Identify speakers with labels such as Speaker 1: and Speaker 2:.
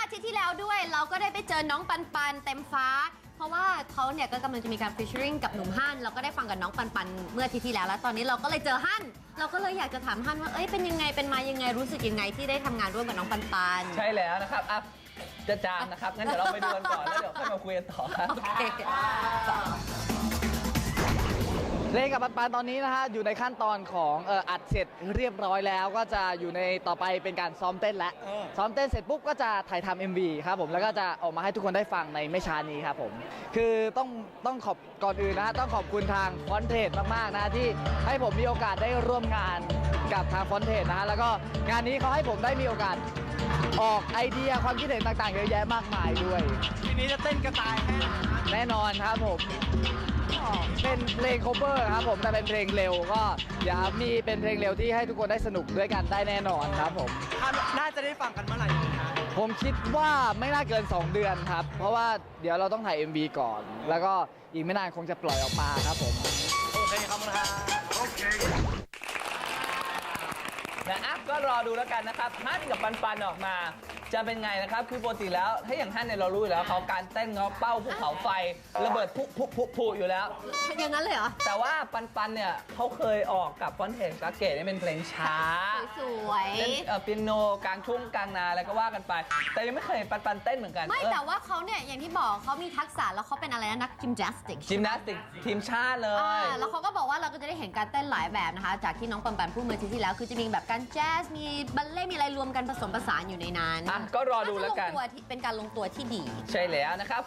Speaker 1: ทิตย์ที่แล้วด้วยเราก็ได้ไปเจอน้องปันปันเต็มฟ้าเพราะว่าเขาเนี่ยก็กำลังจะมีการฟิชเชอริงกับหนุ่มฮั่นเราก็ได้ฟังกับน้องปันปันเมื่ออาทิตย์ที่แล้วแล้วตอนนี้เราก็เลยเจอฮั่นเราก็เลยอยากจะถามฮั่นว่าเอ้ยเป็นยังไงเป็นมายังไงรู้สึกยังไงที่ได้ทำงานร่วมกับน้องปันปัน
Speaker 2: ใช่แล้วนะครับจะจามนะครับงั้นเดี๋ยวเราไปดูกันก่อนแล้วเดี๋ยวค่อยมาคุยกันต่อครับ
Speaker 1: โอเค
Speaker 3: เล่นกับปันๆตอนนี้นะฮะอยู่ในขั้นตอนของอัดเสร็จเรียบร้อยแล้วก็จะอยู่ในต่อไปเป็นการซ้อมเต้นแล้วซ้อมเต้นเสร็จปุ๊บก็จะถ่ายทำ MV ครับผมแล้วก็จะออกมาให้ทุกคนได้ฟังในไม่ช้านี้ครับผมคือต้องขอบก่อนอื่นนะฮะต้องขอบคุณทางฟอนเทสมากๆนะที่ให้ผมมีโอกาสได้ร่วมงานกับทางฟอนเทสนะฮะแล้วก็งานนี้เขาให้ผมได้มีโอกาสออกไอเดียความคิดเห็นต่างๆเยอะแยะมากมายด้วยทีนี้จะเต้นกระต่ายแน่นอนครับผมเป็นเพลง cover ครับผมแต่เป็นเพลงเร็วก็อย่ามีเป็นเพลงเร็วที่ให้ทุกคนได้สนุกด้วยกันได้แน่นอนครับผม
Speaker 4: น่าจะได้ฟังกันเมื่อไหร่ครับ
Speaker 3: ผมคิดว่าไม่น่าเกิน 2 เดือนครับเพราะว่าเดี๋ยวเราต้องถ่าย MV ก่อน แล้วก็อีกไม่นานคงจะปล่อยออกมาครับผม
Speaker 4: โอเคครับโอเค
Speaker 2: นะก็รอดูแล้วกันนะครับฮั่นกับปันออกมาจะเป็นไงนะครับคือปกติแล้วถ้าอย่างฮั่นเนี่ยเรารู้อยู่แล้วเขาการเต้นเขาเป้าภูเขาไฟระเบิดพุอยู่แล้ว
Speaker 1: อย่างนั้นเลยเหรอ
Speaker 2: แต่ว่าปันเนี่ยเขาเคยออกกับฟอนเทสกาเกตเป็นเพลงช้า
Speaker 1: สวย
Speaker 2: เล่นเปียโนกลางทุ่งกลางนาอะไรก็ว่ากันไปแต่ยังไม่เคยปันเต้นเหมือนกัน
Speaker 1: ไม่แต่ว่าเขาเนี่ยอย่างที่บอกเขามีทักษะแล้วเขาเป็นอะไรนะนักยิมนาสติก
Speaker 2: ทีมชาติเลย
Speaker 1: แล้วเขาก็บอกว่าเราก็จะได้เห็นการเต้นหลายแบบนะคะจากที่น้องปันพูดเมื่ออาทิตย์ที่แล้วคือจะมีแบบการแจ๊สมีบัลเล่ต์มีอะไรรวมกันผสมผสานอยู่ในนั้น
Speaker 2: ก็รอดูแล้วกัน
Speaker 1: เป็นการลงตัวที่ดี
Speaker 2: ใช่แล้วนะครับ